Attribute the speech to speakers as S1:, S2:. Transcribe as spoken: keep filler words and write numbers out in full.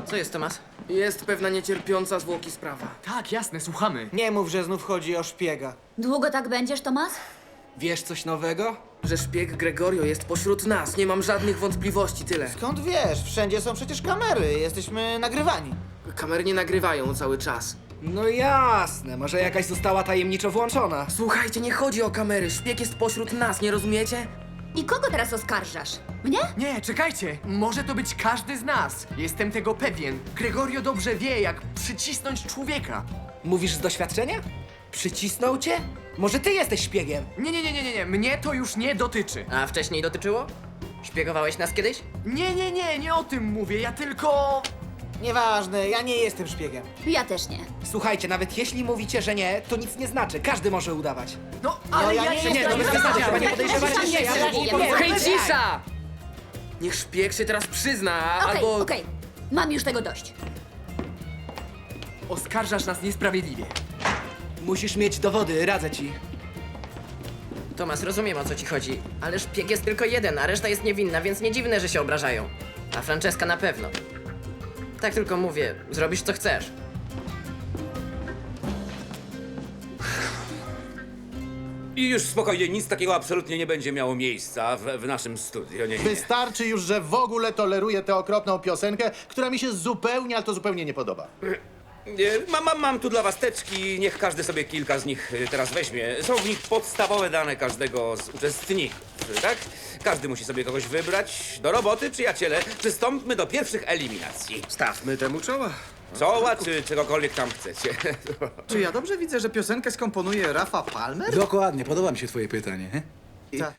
S1: Co jest, Tomas?
S2: Jest pewna niecierpiąca zwłoki sprawa.
S3: Tak, jasne, słuchamy.
S4: Nie mów, że znów chodzi o szpiega.
S5: Długo tak będziesz, Tomas?
S4: Wiesz coś nowego?
S2: Że szpieg Gregorio jest pośród nas, nie mam żadnych wątpliwości, tyle.
S4: Skąd wiesz? Wszędzie są przecież kamery, jesteśmy nagrywani.
S2: Kamery nie nagrywają cały czas.
S6: No jasne, może jakaś została tajemniczo włączona.
S2: Słuchajcie, nie chodzi o kamery, szpieg jest pośród nas, nie rozumiecie?
S5: I kogo teraz oskarżasz? Mnie?
S3: Nie, czekajcie. Może to być każdy z nas. Jestem tego pewien. Gregorio dobrze wie, jak przycisnąć człowieka.
S6: Mówisz z doświadczenia? Przycisnął cię? Może ty jesteś szpiegiem?
S3: Nie, nie, nie, nie, nie, nie. Mnie to już nie dotyczy.
S1: A wcześniej dotyczyło? Szpiegowałeś nas kiedyś?
S3: Nie, nie, nie, nie o tym mówię. Ja tylko...
S4: Nieważne, ja nie jestem szpiegiem.
S5: Ja też nie.
S6: Słuchajcie, nawet jeśli mówicie, że nie, to nic nie znaczy. Każdy może udawać.
S3: No, ale
S4: ja
S3: ja,
S4: nie
S3: się
S4: jestem-
S3: nie...
S4: nie
S3: no,
S4: jestem-
S3: no,
S6: nie podejrzewacie mnie, ja
S5: nie
S6: nie
S5: powiem.
S2: Hej, cisza! Niech szpieg się teraz przyzna,
S5: Okej,
S2: albo...
S5: okej. Mam już tego dość.
S3: Oskarżasz nas niesprawiedliwie.
S6: Musisz mieć dowody, radzę ci.
S1: Tomas, rozumiem, o co ci chodzi, ale szpieg jest tylko jeden, a reszta jest niewinna, więc nie dziwne, że się obrażają. A Franceska na pewno. Tak tylko mówię, zrobisz co chcesz.
S7: I już spokojnie, nic takiego absolutnie nie będzie miało miejsca w, w naszym studio. Nie, nie, nie.
S8: Wystarczy już, że w ogóle toleruję tę okropną piosenkę, która mi się zupełnie, ale to zupełnie nie podoba.
S7: Nie, Mam, mam, mam tu dla was teczki, niech każdy sobie kilka z nich y, teraz weźmie. Są w nich podstawowe dane każdego z uczestników, tak? Każdy musi sobie kogoś wybrać. Do roboty, przyjaciele. Przystąpmy do pierwszych eliminacji.
S9: Stawmy temu czoła.
S7: Czoła czy czegokolwiek tam chcecie.
S9: Czy ja dobrze widzę, że piosenkę skomponuje Rafa Palmer?
S10: Dokładnie, podoba mi się twoje pytanie. he?
S9: Ta.